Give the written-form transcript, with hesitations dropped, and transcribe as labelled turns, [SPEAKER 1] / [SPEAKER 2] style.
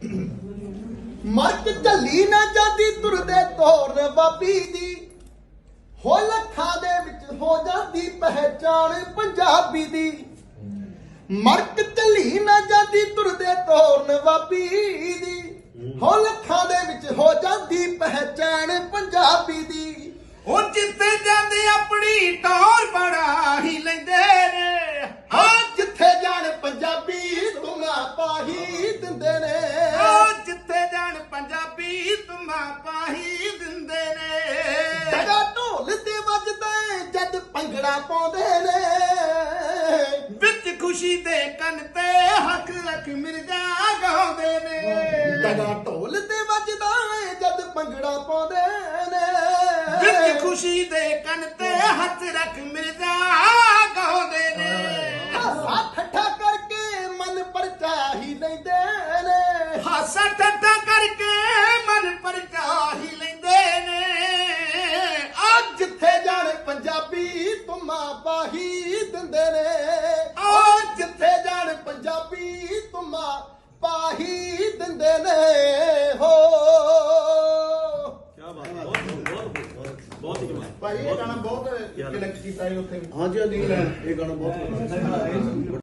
[SPEAKER 1] ਮਰਕ ਝੱਲੀ ਨਾ ਜਾਂਦੀ ਤੁਰਦੇ ਤੋਰਨ ਬਾਬੀ ਦੀ, ਹੋ ਲੱਖਾਂ ਦੇ ਵਿੱਚ ਹੋ ਜਾਂਦੀ ਪਹਿਚਾਣ ਪੰਜਾਬੀ ਦੀ। ਮਰਕ ਝੱਲੀ ਨਾ ਜਾਂਦੀ ਤੁਰਦੇ ਤੋਰਨ ਬਾਬੀ ਦੀ, ਹੋ ਲੱਖਾਂ ਦੇ ਵਿੱਚ ਹੋ ਜਾਂਦੀ ਪਹਿਚਾਣ ਪੰਜਾਬੀ ਦੀ।
[SPEAKER 2] ਉਹ ਜਿੱਥੇ ਜਾਂਦੇ ਆਪਣੀ ਟੌਰ ਬੜਾ ਹੀ ਲੈਂਦੇ ਨੇ,
[SPEAKER 1] ਹਾਂ ਜਿੱਥੇ ਜਾਣ ਪੰਜਾਬੀ ਤੁਮਾ ਪਾਹੀ ਦਿੰਦੇ ਨੇ।
[SPEAKER 2] ਉਹ ਜਿੱਥੇ ਜਾਣ ਪੰਜਾਬੀ ਤੁਮਾ ਪਾਹੀ ਦਿੰਦੇ ਨੇ।
[SPEAKER 1] ਡਗਾ ਢੋਲ ਤੇ ਵੱਜਦਾ ਜਦ ਭੰਗੜਾ ਪਾਉਂਦੇ ਨੇ,
[SPEAKER 2] ਵਿੱਚ ਖੁਸ਼ੀ ਦੇ ਕੰਨ ਤੇ ਹੱਕ ਰੱਖ ਮਿਰਜ਼ਾ ਗਾਉਂਦੇ ਨੇ।
[SPEAKER 1] ਡਗਾ ਢੋਲ ਤੇ ਵੱਜਦਾ ਜਦ ਭੰਗੜਾ ਪਾਉਂਦੇ ਨੇ,
[SPEAKER 2] ਵਿੱਚ ਖੁਸ਼ੀ ਦੇ ਕੰਨ ਤੇ ਹੱਥ ਰੱਖ ਮਿਰਜ਼ਾ ਗਾਉਂਦੇ ਨੇ।
[SPEAKER 1] ਹਾਸਾ ਠੱਠਾ ਕਰਕੇ ਮਨ ਪਰਚਾ ਹੀ ਲੈਂਦੇ ਨੇ।
[SPEAKER 2] ਹਾਸਾ ਠੱਠਾ ਕਰਕੇ ਮਨ ਪਰਚਾ ਹੀ ਲੈਂਦੇ ਨੇ।
[SPEAKER 1] ਅੱਜ ਜਿੱਥੇ ਜਾਣ ਪੰਜਾਬੀ ਤੁਮਾ ਪਾਹੀ ਦਿੰਦੇ ਨੇ।
[SPEAKER 2] ਉਹ
[SPEAKER 1] ਜਿੱਥੇ ਜਾਣ ਪੰਜਾਬੀ ਤੁਮਾ ਪਾਹੀ ਦਿੰਦੇ ਨੇ। ਹੋ ਭਾਈ ਇਹ ਗਾਣਾ ਬਹੁਤ ਕਨੈਕਟ ਕੀਤਾ ਹੈ ਉੱਥੇ।
[SPEAKER 3] ਹਾਂਜੀ ਹਾਂਜੀ ਇਹ ਗਾਣਾ ਬਹੁਤ